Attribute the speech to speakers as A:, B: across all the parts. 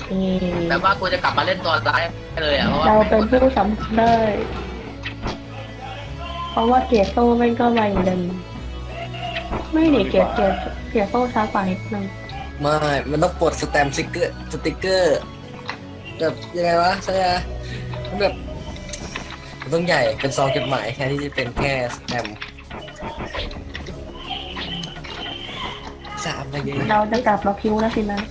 A: แบบว่ากูจะกลับมาเล่นตัวร้ายเลยอ่ะเพราะว่า
B: เราเป็นผู้สัมผัสได้เพราะว่าเกียร์โซ่แม่งก็ไวเหมือนเดิมไม่หนีเกียร์โซ่ช้ากว่านิดนึง
C: ไม่มันต้องปลดสแตมป์สติ๊กเกอร์แบบยังไงวะใช่ไหมมันแบบมันต้องใหญ่เป็นซองจดหมายแค่ที่จะเป็นแค่สแตมป์สามอะไรเงี้ย
B: เราจะกลับมาคิวแล้วสินะ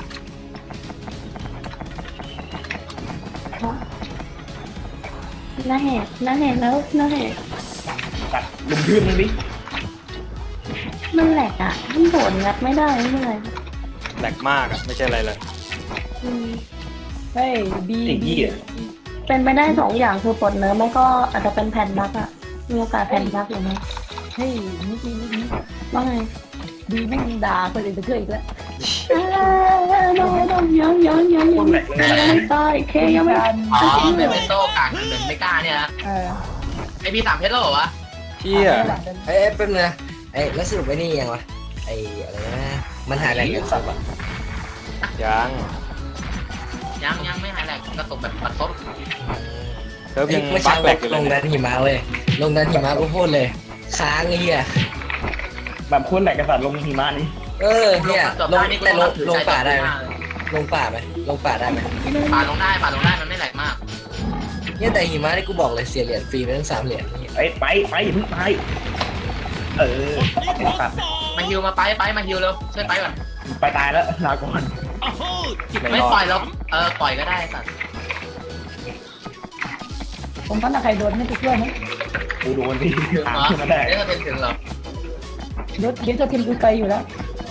B: น่าแหกแล้วน่าแหก
D: ตัดลุมพื้นมึงดิ
B: มันแหลกอ่ะมันโดดงัดไม่ได้ไม่เป็นไร
E: แหลกมากอ่ะไม่ใช่อะไรเลย
B: อืม
F: เฮ้ยบี
D: ไอ้เหี้ย
B: เป็นไปได้2 อย่างคือปลดเนื้อมันก็อาจจะเป็นแผ่นบั๊กอ่ะมีโอกาสแผ่นบั๊กอยู่ไหม
F: เฮ้ยนิกนี่
B: ว่าไง
F: บีแม่งด่าคนอื่นไปเรื่อยอีกแล้ว
B: โดนยังไม่ตายเคยังไม่
A: อ๋อเป็นโซ่กากเหมือนไม่กล้าเนี่ยนะ
F: เออ
A: ไอพี่3เพชรแล้วเหรอวะ
E: เชี่ย
C: เอ้ยแป๊บนึงนะไอ้แล้วสรุปไอ้นี่ยังวะไอ้อะไรนะมันหายแหล่งกันสับอ่ะ
E: ยัง
A: ยังไม่หายแหลกกระตุกแบบปัดซบ
E: เซิร์ฟยัง
C: ไม่
E: บั
C: ใช่
E: กแหลกอยู่
C: ล
E: เลย
C: งดันหิมะเว้ยลงดันหิมะกูพูดเลยค้างไอ้เหี้ย
D: แบบคนแหลกกระสัดลงหิมะนี่
C: เนี่ยลงแต่ลงป่าได้ไหมลงป่าไหมลงป่าได้ไหม
A: ป่าลงได้มันไม่แหลกมาก
C: เนี่ยแต่หิมะนี่กูบอกเลยเสียเหรียญฟรีไปตั้ง3 เหรียญนี่
D: ไปอย่าเพิ่งไปไอ้สัตว์
A: มาฮิวมาไปมาฮิวเร็วช่วยไปก่อน
D: ไปตายแล้วลาก่อน
A: ไม่ปล่อยแล้วปล่อยก็ได้สัตว์
F: ผมว่าใครโดนไม่ติดเพื่อนนะ
D: กูโดนดิ
A: ถึง
D: หา
A: เหรอ
D: ขึ้นมาได้
A: เดี๋ยวจะถึงเหรอ
F: รถเดี๋ยวจะทีมกูไปอยู่แล้ว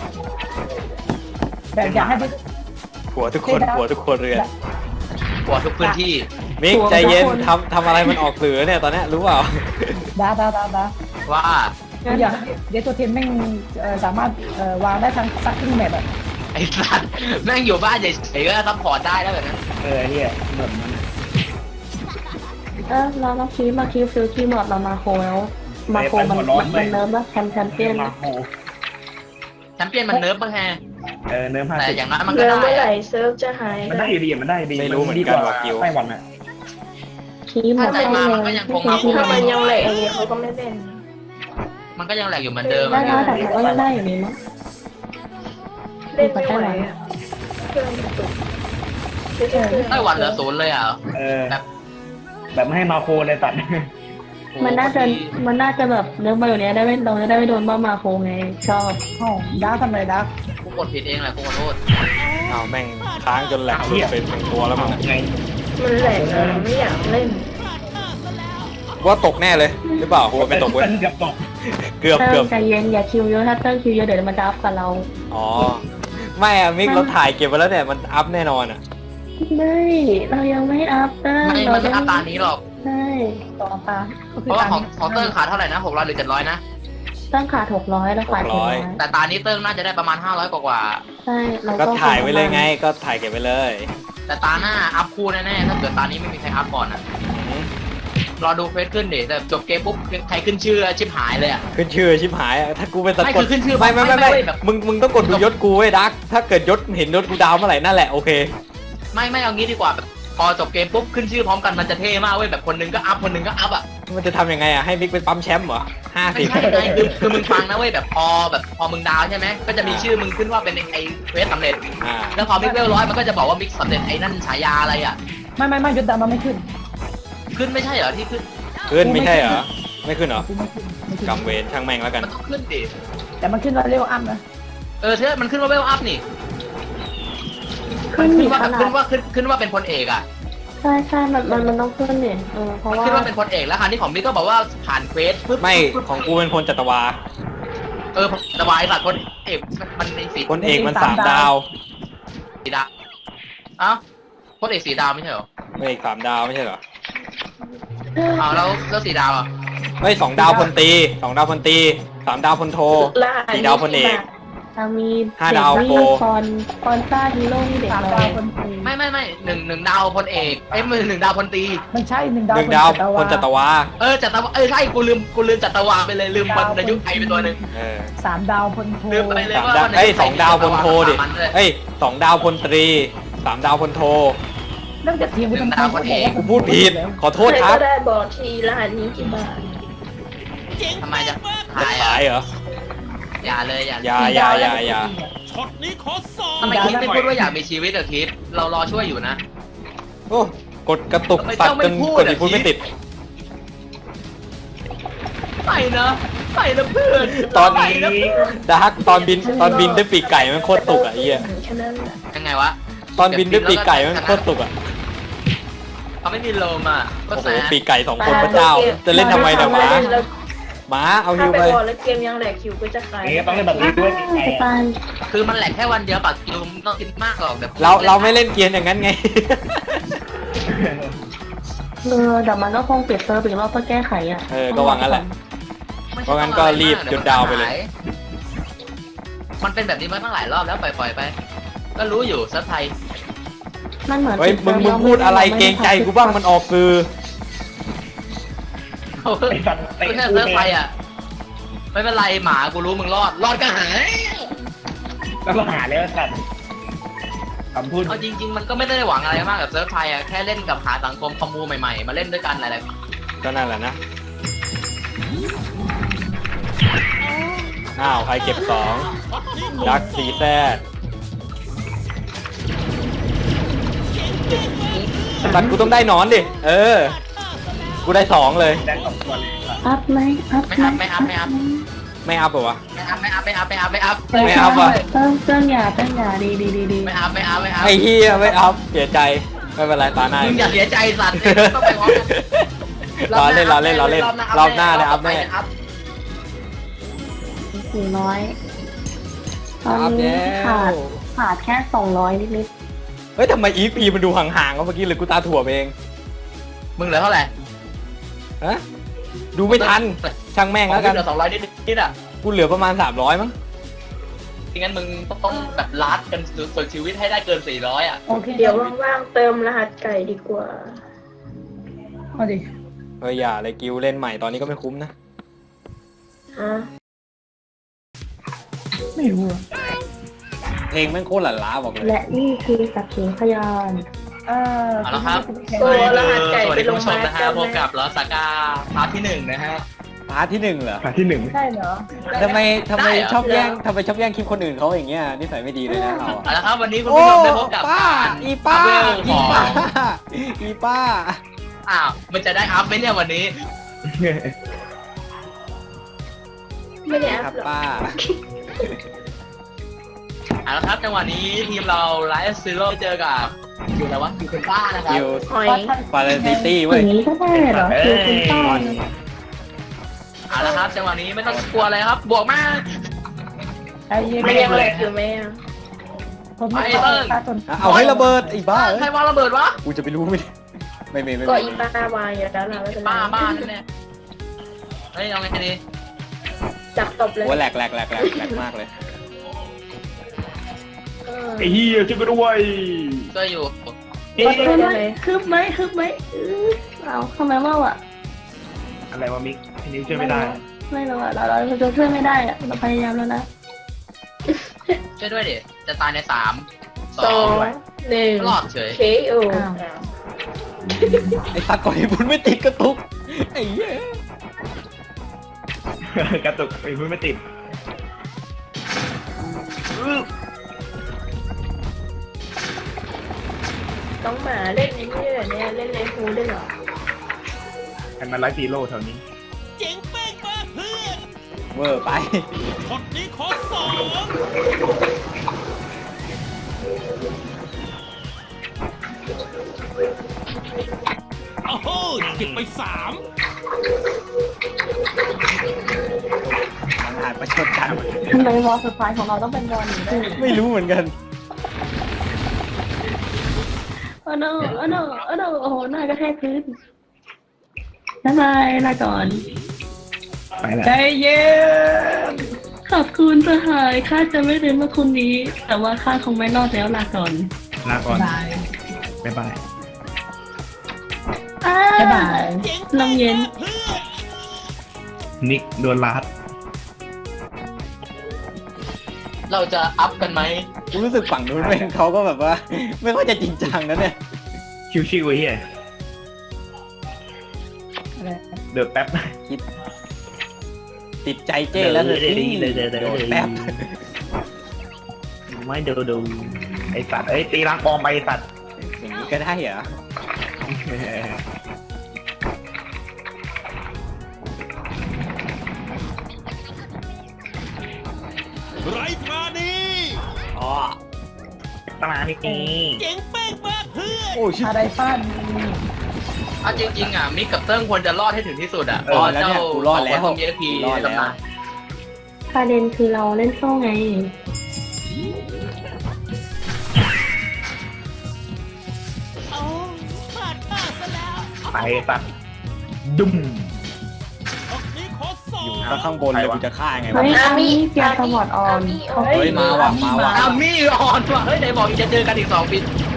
F: แบบอยากให้ไป
E: หัวทุกคนเรือน
A: กลัวทุกพื้นที่
E: มิกใจเย็นทำอะไรมันออกสื่อเนี่ยตอนเนี้ยรู้เปล่า
F: ด่า
A: ว่า
F: อยากเดี๋ยวตัวทีมแม่งสามารถวางได้ทั้งซักทิ้งแมปอ่ะ
A: ไอ้สัตว์แม่งอยู่บ้านเฉยๆก็ซัพพอร์ตได้แล้วแบบนั้น
D: ไอ้เหี้ยเหมือนมัน
B: เราคิดมาคิวฟิลคีย์หมดเรามาโคแล้วมาโคมันเนิร์ฟแล้วแชมเปี้ยน
D: มาโห
A: แชมเปี้ยนมันเนิร์ฟบ้างแฮ
D: เนื้อผ้า
A: แต่
D: สิ
A: อย่างน้อยมันก็
B: เมื่อ
A: ได้
B: ไหร่เซิร์ฟจะหาย
D: มันได้ดีมันได้ดี
E: ไม่รู้เหมือน
D: ดี
E: กัน
D: กว่า
E: ว่ากิว
D: ไต้หวันอ่ะ
B: คีย์หมด
A: ถ้าใจมามันก็ยังคงมา
B: ถ้ามันยังแหลกอย่างนี้เขาก็ไม่เป็น
A: มันก็ยังแหลกอยู่เหมือนเดิม
B: ได้นะแต่ก็ยังได้อยู่นี่มั้ง
G: เล่นไม่ไหวอ่ะเครื่องมันตุก
A: ไต้หวันเหลือ0เลยอ่ะ
D: แบบไม่ให้มาโคเลยตัด
B: มันน่าจะแบบเรื่องมาอยู่เนี้ยได้ไม่เราจะได้ไม่โดนบ้ามาโคไงชอบ
F: อ๋อด่าทำไรด่า
A: กูกดผิดเองแหละกูขอโทษ
E: เอาแม่งค้างจนแหลกหลุดเป็น1 ตัวแล้วมั้ง
D: ไง
G: มันแหลกอะไม่อยากเล่น
E: ว่าตกแน่เลยหรือเปล่ากูไม่ตกเว้ย
D: เกือบตก
E: เกือบ
B: เติ้งใจเย็นอย่าคิวเยอะถ้าเติ้งคิวเยอะเดี๋ยวมันจะอัพกับเรา
E: อ๋อไม่อะมิกเราถ่ายเก็บไว้แล้วเนี่ยมันอัพแน่นอนอะ
B: ไม่เรายังไม่อัพเติ้ง
A: ไม่มันไม่อัพตานี้หรอก
B: ใช่
F: ต่อตา
A: เพราะว่าของเติ้งขาเท่าไหร่นะ600หรือ700นะ
B: ตั้งขาด600แล้วขาด700
A: แต่ตานี้เติ้งน่าจะได้ประมาณ500กว่า
B: ใช่เรา
E: ก็ถ่ายไว้เลยไงก็ถ่ายเก็บไว้เลย
A: แต่ตาหน้าอัพคู่แน่ๆถ้าเกิดตานี้ไม่มีใครอัพก่อนอ่ะรอดูเฟซขึ้นดิแต่จบเกมปุ๊บใครขึ้นชื่อชิบหายเลยอ่ะ
E: ขึ้นชื่อชิบหายอะถ้ากูเป็นตะ
A: ไม่
E: ก
A: คื
E: ด
A: อขึ้นชื่อ
E: ไม่
A: แบบ
E: มึงต้องกดดูยศกูไว้ดักถ้าเกิดยศเห็นยศกูดาวเมื่อไหร่นั่นแหละโอเค
A: ไม่เอางี้ดีกว่าแบบพอจบเกมปุ๊บขึ้นชื่อพร้อมกันมันจะเท่มากเว้ยแบบคนนึงก็อัพคนนึงก็อัพอ่ะ
E: มันจะทำยังไงอะให้มิกเป็นปั๊มแชมป์เหรอ
A: ไม่ใช่ไงคือมึงฟังนะเว้ยแบบพอมึงดาวใช่ไหมก็จะมีชื่อมึงขึ้นว่าเป็นไอ้เฟสสำเร็จ
E: อ่า
A: แล้วพอมิกเวล100มันก็จะบอกว่ามิกสำเร็จไอ้นั่นฉายาอะไรอ่ะ
F: ไม่ยศดามันไม่ขึ้น
A: ขึ้นไม่ใช่เหรอที่ขึ้น
E: ขึ้นไม่ใช่เหรอไม่ขึ้นเหรอ
F: กูไม่ขึ้น
E: กำเวรช่างแม่งแล้วกัน
A: มันต้องขึ้นดิ
F: แต่มันขึ้นว่าเร็วอัพนะ
A: ใช่มันขึ้นว่าเวลอัพนี่
B: ขึ้น
A: ขึ้
B: อี
A: น
B: ก
A: ว่า
B: ขนาด
A: ขึ้นว่าเป็นพลเอกอ่ะ
B: ใช่มันต้องขึ้นเนี่ยเพราะว่า
A: ขึ้นว่าเป็นพลเอกแล้วคราวนี้ของมิกก็บอกว่าผ่านเควสปุ๊บ
E: ไม่ของกูเป็นพลจัตวา
A: สบายสัตว์พลเอกมันในสี
E: พลเอกมัน3 ดาว
A: ดาวอ้าวพลเอกสีดาวไม่ใช่เหรอ
E: พลเอก3 ดาวไม่ใช่เหรอ
A: อ้าวแล้วสีดาวอ่ะ
E: ไม่2 ดาวพลตรี2 ดาวพลตรี3 ดาวพลโท 4 ดาวพลเอก
B: เรามี
E: 5 ดาวโปร
B: คอนซ่าฮีโร่นี่เด็ก
F: 3
B: เล
F: ดาวย คนตี
A: ไม่หนึ่งดาวพลเอกหนึ่งดาวพลตรี
F: มันใช่1 ดาว
E: 1 ดาวพลจัตวา
A: จัตวาใช่กูลืมจัตวาไปเลยลืมวรรณยุกต์ไทยไปตัวหนึ่ง
F: 3 ดาวพลโท
A: ลืมไปเลย
E: 3 ดาว2 ดาวพลโทดิ2 ดาวพลตรี 3 ดาวพลโท
F: เรื่องจากทีมกูทำไม
E: กูพูดผิดขอโทษ
G: ใคร
E: ครั
G: ก็
E: บ
G: ได้บอกทีรหัสนี้กี่บาท
A: ทำไมจะ
E: จะ
A: ขาย
E: ขายเหรอ
A: อย่าเลยอย่า
E: อย่า
A: ทำไมคิดไม่พูดว่าอยากมีชีวิตอะคิดเรารอช่วยอยู่นะ
E: โอ้กดกระตุก
A: ทำไม
E: ตัด
A: เจ้าไม่
E: จน
A: พูด
E: กด
A: อะ
E: อีกพูด
A: คิด
E: ไม่ติด
A: ไปนะเพื่อน
E: ตอน
A: ไป
E: นี้
A: นะเพื่อน
E: ดาร์กตอนบินด้วยปีกไก่มันโคตรตุกอ่ะไอ้เหี้ย
G: แค่นั้นแหละ
A: ยังไงวะ
E: ตอนบินด้วยปีกไก่มันโคตรตุกอ่ะ
A: เขาไม่มีโลมอ่ะก็
E: โอ้โห
A: แสบ
E: ปีกไก่2 คนพระเจ้า จะเล่นทำไมเนี่ยหมา
G: แล้ว
E: หมาเอา
G: ถ้า
E: ฮิว
G: ไป
E: ไป
G: บอกแล้วเกมยังแหลกคิวก็จะขาย
D: เอ๊ะต้องเล่นแบบนี้ด้วยไง
B: สปาน
A: คือมันแหลกแค่วันเดียวปากคิวไม่ต้องคิดมากหรอกแบบ
E: เราไม่เล่นเกียร์อย่างนั้นไง
B: เดี๋ยวมันก็คงปิดเซิร์ฟอีกรอบเพื่อแก้ไขอ่ะ
E: ก็วางงั้นแหละ เพราะงั้นก็รีบหยุดดาวไปเลย
A: มันเป็นแบบนี้มาตั้งหลายรอบแล้วปล่อยไป ก็รู้อยู่เซิร์ฟไทย
B: มันเหมือน
E: เฮ้ยมึงพูดอะไรเกรงใจกูบ้างมันออกคือ
D: ไอ้สัตว์
A: ไม่ใช่เซิร์ฟไทยอ่ะไม่เป็นไรหมากูรู้มึงรอดก็หาย
D: แล้วก็หาแล้วสัตว์คำพูด
A: เอาจริง ๆ มันก็ไม่ได้หวังอะไรมากกับเซิร์ฟไทยอ่ะแค่เล่นกับหาสังคมคอมมูใหม่ๆมาเล่นด้วยกันอะไร
E: ก็นั่นแหละนะ อ้าว ใครเก็บ2ดักสีแซดตัดกูต้องได้หนอนดิ กูได้2เลย
D: แดง2ตัวเลย
B: อัพไหมอัพ
A: ไม่อัพ
E: ไม่อัพเหรอวะ
A: ไม่อัพ
E: ไม่อัพว่ะ
B: เติ้งอย่าดี
A: ไม่อัพ
E: ไอ้เฮียไม่อัพเสียใจ ไม่เป็นไรตาหน้า
A: มึงอย่าเสียใจสัตว์ต้องไปพร้อมกัน
E: รอเล่นรอบหน้าได้อัพแน่
B: 400ตอนนี้ขาดแค่200นิด
E: เฮ้ยทำไมอีพีมันดูห่างๆวะเมื่อกี้เลยกูตาถั่วเอง
A: มึงเหลือเท่าไหร่
E: ฮะดูไม่ทัน ช่างแม่งแล้วกัน
A: เหลือ200นิดอ่ะ
E: กูเหลือประมาณ300มั้ง
A: งั้นมึงต้องแบบลัดกันสุดชีวิตให้ได้เกิน400อ่ะ
F: โอเค
G: เดี๋ยวว่างๆเติมรหัสไก่ดีกว่า
F: เอาดิ
E: เฮ้ยอย่าเลยกิวเล่นใหม่ตอนนี้ก็ไม่คุ้มนะ
G: ฮะ
F: ไม่รู้อะ
E: เพลงแม่งโคตรหลั่นล้าบอกเลย
B: ๆและนี่คือสักขีพยาน
A: เอาละครับ
G: โอ้รหัสไก่
A: สวัส
G: ไป
A: ดี
G: ล
A: คุณ
G: ง
A: ผู้ช
G: มาม
A: นะฮะ
G: กัน
A: พบกับลอสก้าพาร์ทที่1นะฮะ
E: พาร์ทที่1เหรอ
D: หาที่ 1
F: ใช่เหรอ
E: ทำไม
A: ได้เหรอ
E: ชอบแย่งคลิปคนอื่นเขาอย่างเงี้ยนิสัยไม่ดีเลยนะเรา
A: เอาละครับวันนี้คุณผู้ชมได้พบกับ
E: ป้า
A: การ
E: อีป้า
A: อัพเวล
E: อี
A: ของ
E: ป้าอีป้า
A: อ้าวมันจะได้อัพไหมเนี่ยวันนี้
G: ไม่ได้
E: ค
G: อั
E: รั
G: พ
E: บ
G: หรอก
E: ป้า
A: เอาละครับจังหวะนี้ทีมเราไลฟ์ซีโร่เจอกับอยู่อะไรวะอยู่คุณป้านะครับ
E: อยู่
G: หอย
E: ฟาเรนซิตี้
B: อ
E: เว้ย
B: ย่างนี้ก็ได้เหรอคือคุณป้า
A: เอาละครับจังหวะนี้ไม่ต้องกลัวอะไรครับ บวกมา
F: ไอ้เหี้ย
G: ไม่ยังแหลกคิวไหมอะ
F: ผมไม่เข้าตาจน
E: เอาให้ระเบิดไอ้บ้า
A: ใครวางระเบิดวะ
E: กูจะไปรู้ไม่ไม่
G: ก็อีป้าวายอยู่แล้วล่ะไม่เป็นไร
A: บ้าแน่ๆเฮ้ยเอาไงดี
G: จับตบเลย
E: โอ้แหลกมากเลย
D: ไอ้เหี้ยช่วยกูด้วย
A: ก็อยู่
B: คืบไหมเอาทำไมว่าอ่ะ
D: อะไรวะมิกอันนี้ช่วยไม่ได้
B: ไม่รู้อ่ะเราจะช่วยไม่ได้อ่ะเราพยายามแล้วนะ
A: ช่วยด้วยดิจะตายใน3
G: สอง
A: 2
G: 1
A: รอดเฉย
G: KO
E: ไอ้ตาก่อยบุญไม่ติดกระตุกไอ้เหี้ย
D: กระตุกไอ้พูดไม่ติด
G: ต้องหมาเล่นไอ้นี่เหรอเนี่ยเล่นในฮูได้เหรอ
D: ให้มันไลฟ์ซีโร่แถวนี้
E: เวอร์ไป
H: โอ้โหเก็บไป3
E: มันอาจประชดกัน
B: ทำไมวอลสุดท้ายของเราต้องเป็นวอลนี้ด้วย
E: ไม่รู้เหมือนกัน
B: โอ้โนโอ้โหหน้ากระแทกพื้นบ๊ายบายลาก่อน
D: ไปแล้ว
F: ใจเย็น
B: ขอบคุณสหายข้าจะไม่ลืมเมื่อคุณนี้ แต่ว่าข้าคงไม่รอดแล้วลาก่อน
D: ลาก่อน
F: บาย
D: บ๊ายบาย
F: บ๊ายบาย
B: ลมเย็น
D: นิกโดนลาด
A: เราจะอัพกันไหม
E: กูรู้สึกฝั่งนู้นเองเขาก็แบบว่า ไม่ค่อยจะจริงจังนะเนี่ย
D: ชิวๆไอ้เหี้ย
F: อะไร
D: เดือดแป๊บ
E: ติดใจเจ้แล้วเลย
D: เดี๋ยว
E: โดนแป๊บ
D: ไม่ดูไอ้สัตว์เอ้ยตีรังปอมไปไอ้สัตว์
E: อย่างนี้ก็ได้เหรอ
H: ไรปราณี
E: อ๋อ
D: ตมานี่
H: เจ๋งเป้งมากเพื่อน
E: โอ้ชิบ
F: อะไรฟาด
A: เอาจริงๆอ่ะมิกกับเติ้งควรจะรอดให้ถึงที่สุดอ่ะ
E: รอดแล้วเนี่ยกูรอดแล้ว
A: ของเอพี
E: รอด
A: ใน
E: แล้ว
A: ตำนาน
B: ประเด็นคือเราเล่นโซ่ไง
H: โอ้พลาดท่าซะแล้ว
D: ไปไอ้สัตว์ดุม
H: ออกนี้ขอสอ
E: อยู่
H: บ
E: ข้างบนเลยกูจะฆ่าไงวะ
B: เฮ้ยอามี่เกียร์สมอดออนเขา
E: เฮ้ยมาว่ะมาว่ะ
A: อามี่อ่อนว่ะเฮ้ยไหนบอกจะเจอกันอีก2 ปี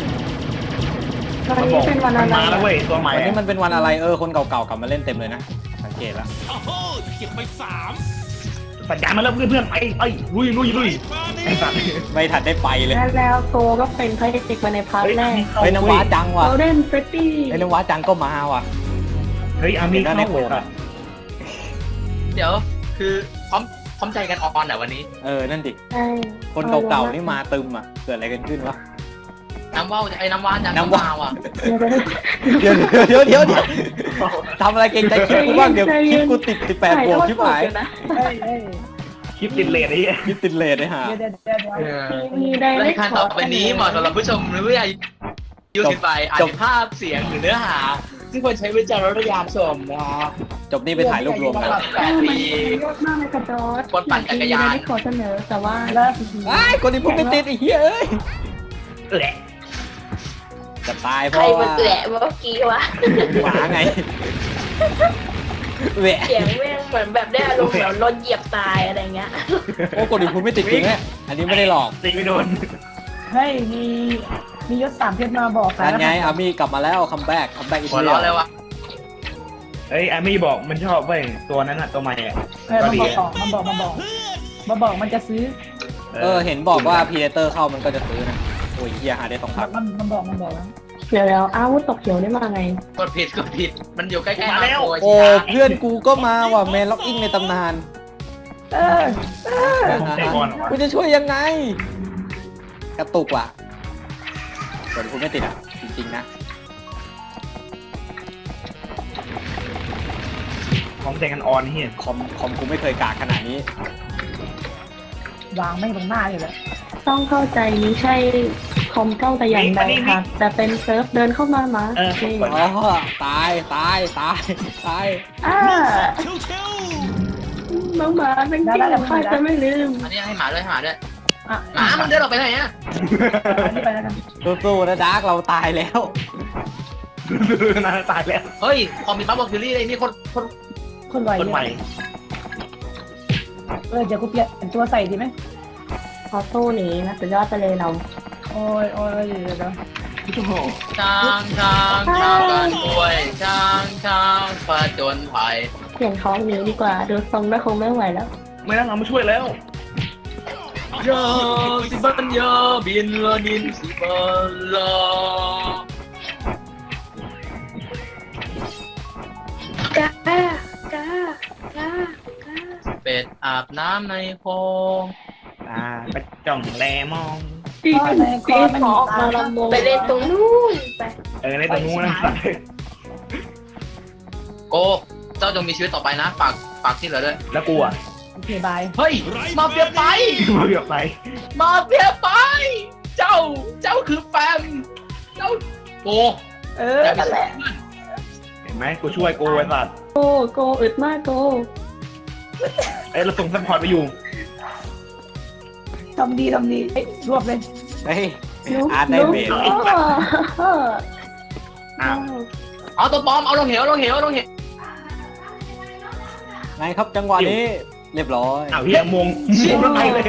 B: วันนี้เป็นวันอะไร
D: มาแล้วเว้ยตัวใหม่
E: วันนี้มันเป็นวันอะไรคนเก่าๆกลับมาเล่นเต็มเลยนะสังเกตละ
H: โอ้โหเก็บไป3
D: สัญญาณมาแล้วเพื่อนๆไปลุย
H: ไรปราณี
D: ไอ้สัตว์
E: ไม่ทันได้ไปเลย
B: แล้วโตก็เป็นพระเอกมาในพาร์ทแรก
E: เฮ้ยน้ำว้าจังว่ะ
B: เราเล่นเฟรดดี้
E: เฮ้ยน้ำว้าจังก็มาว่ะ
D: เฮ้ยอามี
E: เห็นแล้วใน
D: เข้า
E: โพล
D: เลย
E: อะ
A: เดี๋ยวคือพร้อมใจกันออนแต่วันนี้
E: นั่นดิ
B: ใช่
E: คนเก่าๆนี่มาตึมอ่ะเกิดอะไรกันขึ้นวะ
A: น้ำว่าวไอ้น้ำว่านจัง
E: น้ำว่าว
A: มาว่ะ
B: เดี๋ยว
E: เดี๋ยวทำอะไรเก่งใจคลิปกูบ้างเดี๋ยวคลิปกูติด18 บวกชิบหาย
F: เฮ้ยเฮ้ย
D: คลิปติดเลทไอ้เหี้ย
E: คลิปติดเลทเลยฮะ
F: เดี๋ยว
B: มีได้
A: รา
B: เล็
A: ยการต่อไปนี้เหมาะสำหรับผู้ชมหรือผู้ใหญ่ยูสิไปอาจจะภาพเสียงหรือเนื้อหาซึ่งควรใช้วิจารณญาณชมนะครับ
E: จบนี่ไปถ่ายรูปรวมกัน
A: 8 ปี
B: ยอดมากเลยกระโดด
A: คนปั่นจักรยาน
B: ที่ขอเสนอแต่ว่า
F: แล้ว
E: ไอ้คนที่พูดไม่ติดไอ้เหี้ยเอ้ย
D: แหละ
E: จะตายเพ
G: ใคร
E: ราะ
G: มั
E: ว่าน
G: แหละเมื่อกี้วะ
E: หมาไงแหวะ
G: เสียงแม่งเหมือนแบบได้อารมณ์แบบรถเหยียบตายอะไรเงี้ย
E: โอ้คนที่พูดไม่ติดจริงเนี่ยอันนี้ไม่ได้หลอก
D: ตีไม่โดน
F: เฮ้ยมียศ3เพชรมาบอก
E: นั่นไงอามี่กลับมาแล้วคัมแบ็กอีก
A: หัวเราะเลยว่ะ
D: เฮ้ยอามี่บอกมันชอบเว้ยตัวนั้นอะตัวใหม่อะ
F: เฮ้ยมันบอกมันจะซื้อ
E: เห็นบอกว่าพีเดเตอร์เข้ามันก็จะซื้อนะโอ้ยเฮียหาได้2 พัน
F: มันบอกแล้ว
B: เดี๋ยวอาวุธตกเขียวได้มาไง
A: กดผิดมันอยู่ใกล้ๆ
D: มาแล้ว
A: โอ้ย
E: โอ้เพื่อนกูก็มาว่ะแมนล็อกอิงในตำนาน
D: ผมเตะบอลเหรอวะ
E: กูจะช่วยยังไง กระตุกว่ะส่วนคุณไม่ติดอ่ะ จริงๆนะ
D: ผมเตะกันออนเฮีย
E: คอมกูไม่เคยกากขนาดนี้
F: วางไม่ตรงหน้าเลยแหละ
B: ต้องเข้าใจนี้ใช่คอมเก้าแต่อย่างใดค่ะ แต่เป็นเซิร์ฟเดินเข้ามามา
E: อ๋อ ตาย
B: อ่า
H: เชียว
B: น้องหมาเป็นจริงข้าจะไม่ลืม
A: อันนี้ให้หมาด้วยหมา
F: อ่ะ
A: หมามันเดินออกไปไหนอ่ะ
F: นี่ไปแล้วกัน
E: สู้ๆนะดาร์กเราตายแล้ว
D: น่าจะตายแล้ว
A: เฮ้ยพอมีบัฟบอกคิวรี่เลยนี่คน
F: คนไหว
D: คนใหม่
F: เดี๋ยวกูเปลี่ยนตัวใส่ดีไหม
B: ออโต้หนีนะสุดยอดไปเลยเรา
F: โอ้ยเดี๋ยว
A: ช้างกันป่วยช้างผจญภัย
B: เปลี่ยนท้องหนีดีกว่า ดูทรงแล้วคงไม่ไหวแล้ว
D: ไม่ต้องเอามาช่วยแล้ว
A: โยสิบันโยบินลนินสิบันลอ
G: จ้าจ้าจ้า
A: เป็ดอาบน้ำในโพรง
D: ไปจ้องแลมอง
B: ตีหมอกมาลำวง
G: ไปเล่นตรงนู้นไป
D: ในตรงนู้นนะ
A: โกเจ้าจงมีชีวิตต่อไปนะฝากที่เหลือด้วย
D: แล้วกูอ่ะ
F: โอเคบาย
A: เฮ้ยมาเฟียไป
D: มาเบียบไป
A: มาเฟียไป เจ้าคือแฟมเจ้าโก
G: นั่นแหละ
D: เห็นไหมกูช่วยกูไอ้สัตว์
B: โกอึดมากโก
D: เราส่งซัพพอร์ตไปอยู่
F: ทำดีรวบเลย
E: เฮ้ย อาร์ตได้เบส
D: อ้าว
A: เอาตัวปลอมเอาลงเหว
E: ไงครับจังหวะนี้ เรียบร้อย
D: อ้าวเฮียมงแล้วไปเลย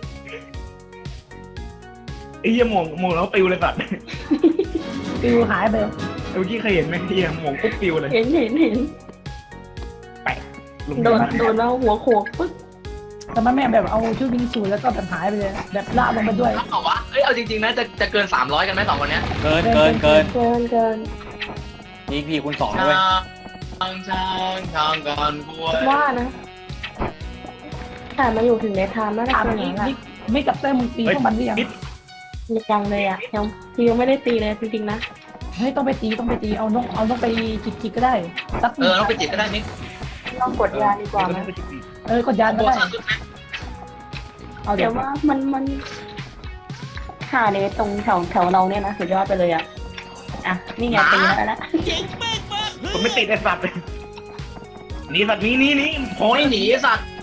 D: ไอ้เฮียมงแล้วปิวเลยสัตว์
F: ฟิวหายไป
D: เมื่อกี้เคยเห็นไหมเฮียมงปุ๊บปิวเลย
B: เห็น
D: แปะลง
B: โดนเราหัวโขกปึ๊บ
F: แต่มันไม่แบบเอาชุดวิงสูทแล้วก็แบบหายไปเลยแบบลากลงไปด้วย
A: รับเปล่าวะเอ้ยเอาจริงๆนะจะเกิน300กันไหม2คนเนี้ย
E: เกิน
B: เกิน
E: อีกพีคูณ2
A: ช่า
E: ด้วย
A: งกันกล้วย
B: ว่านะ แต่มาอยู่ถึงในไทม์แล้วนะ
F: ถาม
B: คน
F: นี้
B: นั้นอะ
F: ไม่กับเต้มึงตีพวกมันหรือยัง
B: ยังเลยอ่ะยังไม่ได้ตีเลยจริงๆนะ
F: เฮ้ยต้องไปตีเอานกไปจิกก็ได้สัก
A: ต้องไปจิบก็ได้นิด
B: ลองกดยาดีกว่าไหม
F: กดยานก็
A: โบ
F: ได้
A: ชันสุดไหม
F: เอาเดี๋
B: เดี๋
F: ย
B: ยว วว่ามันหาเนี่ยตรงแถวเราเนี่ยนะสุดยอดไปเลยอ่ะนี่ไงตีแล้ว
H: เจ๋งแม่งมาก
D: ผมไม่ติดไอ้สัตว์เลยนี่สัตว์นี่โอ้
A: โอ้
D: ย
A: ยหนีไอ้สัตว์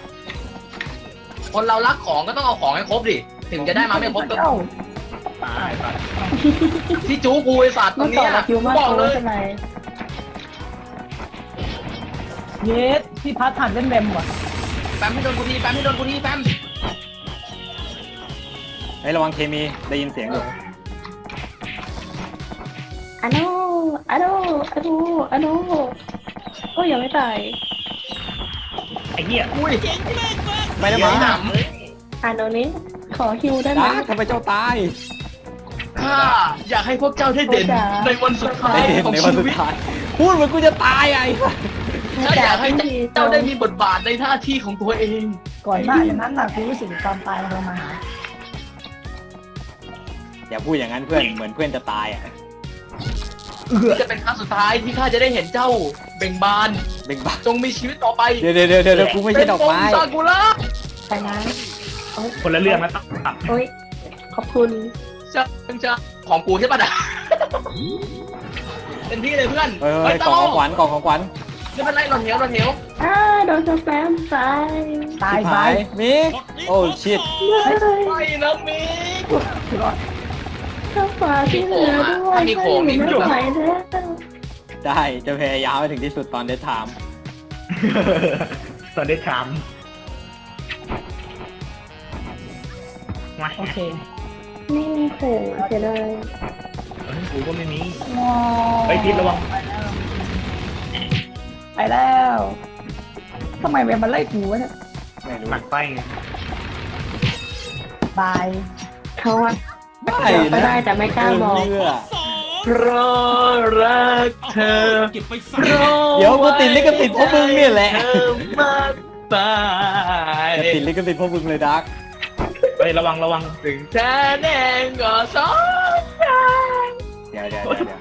A: คนเรารักของก็ต้องเอาของให้ครบดิถึงจะได้มาไม่ครบก็
F: เอ้า
D: ตายสัตว์
A: ที่จูกูไอ้สัตว์ตร
B: เมื่อง ก่อ
A: เนี้
B: น
A: ย
B: เราคิวมาก
A: บอกเล
B: โอ้
A: ย
B: ใช่ไหม
F: เยสพี่พัดผ่านเป็นแวมว่ะ
A: แปมให้โดนกูทีแปมให้โดนกูทีแปม
E: เฮ้ยระวังเคมีได้ยินเสียงอยู่
B: อันโนโอ้ยยังไม่ตาย
D: ไอ้เหี้ยอุ้ย
H: เจ๋งแม่งมาก
E: ไม่ได้มา
B: อันโนนี้ขอคิวได้ไหม
E: ดักทำไมเจ้าตาย
A: ข้าอยากให้พวกเจ้าได้เด่น
B: โอ้จ๋า
A: ในวันสุดท้าย
E: ได้เห็น
A: ของ
E: ในวัน
A: ชี
E: สุด
A: วิต
E: ท้ายพูดเหมือนกูจะตายไอ้
A: ข้าอยากให้เจ้าได้มีบทบาทในหน้าที่ของตัวเอง
F: ก่อนหน้าอย่างนั้นน่ะกูรู้สึกความตายมันเรามาหา
E: อย่าพูดอย่างนั้นเพื่อนเหมือนเพื่อนจะตายอ่ะ
A: จะเป็นครั้งสุดท้ายที่ข้าจะได้เห็นเจ้าเบ่งบาน
E: เบ่งบาน
A: จงมีชีวิตต่อไป
E: เดี๋ยวกูไม่ใช่ดอกไม้
A: เป็นปซากุระ
B: ไปนะ
D: คนละเรื่องแล้วตัด
B: โอ้ยขอบคุณ
A: จะของกูใช่ปะนะเป็นที่เลยเพื่อน
E: เฮ้ยกล่องของขวัญกล่องของขวัญ
A: ไม่เป็นไรเราเหนียว
B: โดนสแปมตาย
F: ตาย
E: หายมิกโอ้ชิต
A: ไม่นะมิก
B: ข้าวฟ้าที่เหลือด้วยไม่ไหวแล้ว
E: ได้จะพยายามไปถึงที่สุดตอนเดทไทม์
D: ตอนได้ถามมา
F: โอเค
B: นี่โหเสียเลย
D: กูก็ไม่มี
F: ว้า
D: ไอ้พิษระวัง
F: ไปแล้วทำไมแวมมันไล่กูวะเนี่ย
E: ไม่รู้
D: หนักไปไง
F: ตาย
B: เขาอะ
E: ไม่
B: ก็ได้แต่ไม่กล้าบอก
E: เชื่อ
H: สอง
A: เพราะรักเธอ
H: เก็บไปใส่
E: เดี๋ยวกูติดลิขสิทธิ์พวกมึงเนี่ยแหละ
A: เธอมากไป
E: จะติดลิขสิทธิ์พวกมึงเลยดัก
D: เฮ้ยระวัง
A: ถึงแท้แน่ก็สองใจ
E: เดี๋ยว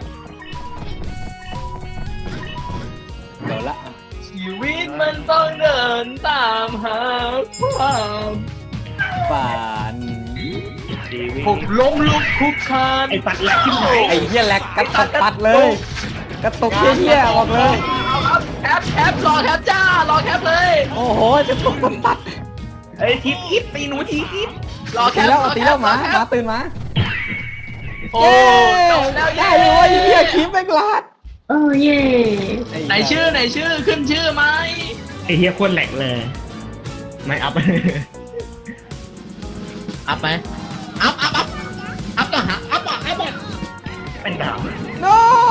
E: ละ
A: ชีวิตมันต้องเดินตามหาความ
E: ฝัน
D: ชีวิต
A: ผมล้มลุกคลุกคลาน
D: ไอ้สัตว์แหลกขึ้นไหน
E: ไอ้เหี้ยแหลกกระตุกตัดเลยกระตุกเหี้ยๆออกเลย
A: เอาครับแคปรอแคปจ้ารอแคปเลย
E: โอ้โหจะตุกตัด
D: เอ้ยทิปตีหนูทีทิป
A: รอแค
E: ตี
A: ป
E: แล้วตีแล้วหมา
A: รอค
E: หมา
A: ป
E: ตื่นมา
A: โอ้จบแล้ว
E: ได้เลยว่าไอ้เหี้ยคลิปแม่งลาด
B: เย่
A: ไหนชื่อขึ้นชื่อไหม
D: ไอ้เฮียโคตรแหลกเลย ไม่อัพ
A: อัพไหมอัพก็หาอัพอ่ะ
D: เป็นดาว
E: โน้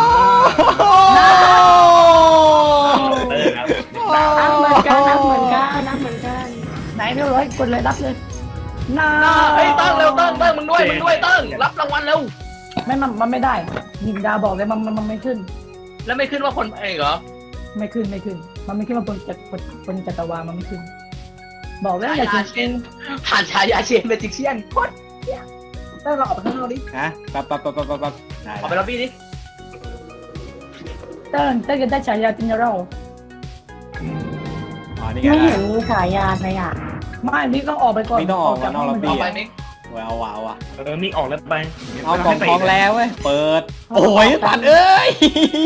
D: ครับ
B: นับเหมือนกัน
F: ไหนเรียบร้อยกดเลยรับเลยน่า
A: เฮ้ยตั้งเร็วตั้งมึงด้วยตั้งรับรางวัลเร็ว
F: มันไม่ได้ยิงดาบอกเลยมันไม่ขึ้น
A: แล้วไม่ขึ้นว่าคนเอกเหรอ
F: ไม่ขึ้น มันไม่ขึ้นว่าบนจักรวาลมันไม่ขึ้น บอกแล้วอย่า
A: ฉายา
F: ชิ
A: เชนผ่านฉายาเชนเมจิกเชียนโคตร
F: ต้องเราออกไปข้างนอกดิ
E: ฮะปั๊บได้
A: ออกไปล็อบบี้ดิ
F: เต้นจะได้ฉายาจินเนอรัล
E: อ๋อนี่
B: ไม่
E: ไง
B: เห็นมีฉายาเลยอ่ะ
F: ไม่นี่ต้องออกไปก่อน
E: ไม่ต้องออกมานอกล็อบบี้
A: ออกไปมิก
E: เอาว่ะ
D: มีออกแล้วไป
E: เอากล่องทองแล้วเว้ยเปิดโอ้ยตัดเอ้ย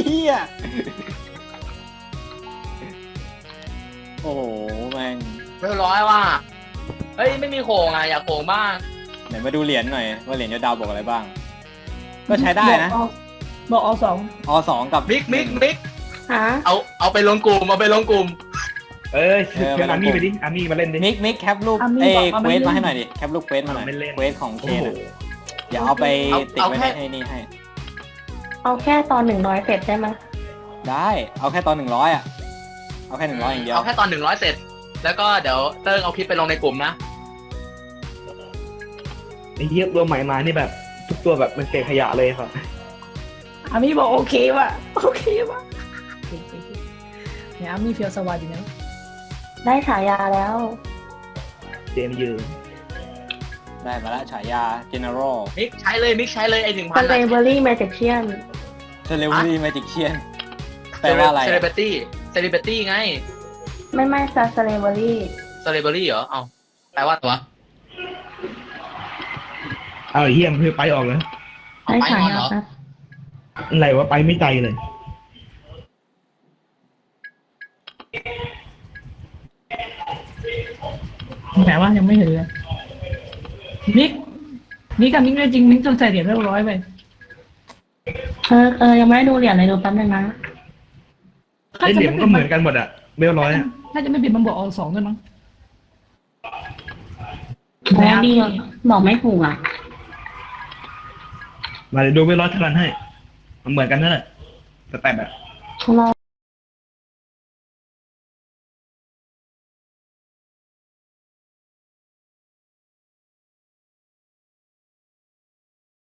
E: โอ้โหแม่ง
A: เรียบร้อยว่ะเฮ้ยไม่มีโขงอ่ะอยากโขงบ้าง
E: ไหนมาดูเหรียญหน่อยว่าเหรียญยอดดาวบอกอะไรบ้าง ก็ใช้ได้นะ
F: บอกเอาสอง
E: อ2กับ
A: มิก
B: ฮะ
A: เอาไปลงกลุ่ม
D: เอ้ยเป็นอาร์มี่ไปดิอาร์มี่มาเล่นดิ
E: มิกแคปรูปเควสมาให้หน่อยดิแคปรูปเควสมาหน่อย
D: ไม่เล่น
E: เควสของเคนอย่าเอาไปติดไว้ให้นี่ให้
B: เอาแค่ตอน100เสร็จได้ไหม
E: ได้เอาแค่ตอน100อ่ะเอาแค่100อย่างเดียว
A: เอาแค่ตอน100เสร็จแล้วก็เดี๋ยวเติ้งเอาคลิปไปลงในกลุ่มนะ
D: ไอ้เหี้ยตัวใหม่มานี่แบบ ทุกตัวแบบมันเศษขยะเลยครับ
F: อามีบอกโอเคว่ะโอเคว่ะเนี่ยอามีเฟียวสวัสดีนะ
B: ได้ฉายาแล้ว
D: เจมส์ยืน
E: ได้มาละฉายา General
A: มิกใช้เลยมิกใช้เลยไอ้1,000
B: สเตเบอรี่แมจิกเชียน
E: Celebrity Magician แปลว่าอะไร
A: เซเลบริตี้ไง
B: ไม่สเตเบอรี่
A: เซเลบริตี้เหรอ เอาแปลว่าตัว
D: เอาไอ้เหี้ยมันคือไปออกเลย
A: เอา
B: ได้
A: ไป
B: ฉาน
A: อน
B: ยา
A: เหรอ
B: ครับ
D: อะไรวะไปไม่ใจเลย
F: แหมว่ายังไม่เห็นเลยมิกกับมิกได้จริงมิกต้องใส่เหรียญเรียบร้อยไป
B: ยังไม่ได้ดูเหรียญเลยดูแป๊บนึงนะ
D: ไอ้เหรียญมันก็เหมือนกันหมดอะเบลร้อยอะ
F: ถ้าจะไม่ผิดมันบอกเอา2ด้วยมั้ง
B: โอ้ดีบอกไม่ถูกอ่ะ
D: มาเดี๋ยวดูเบลร้อยเท่ากันให้ มันเหมือนกันนั่นแหละแต่แบบ
B: รอ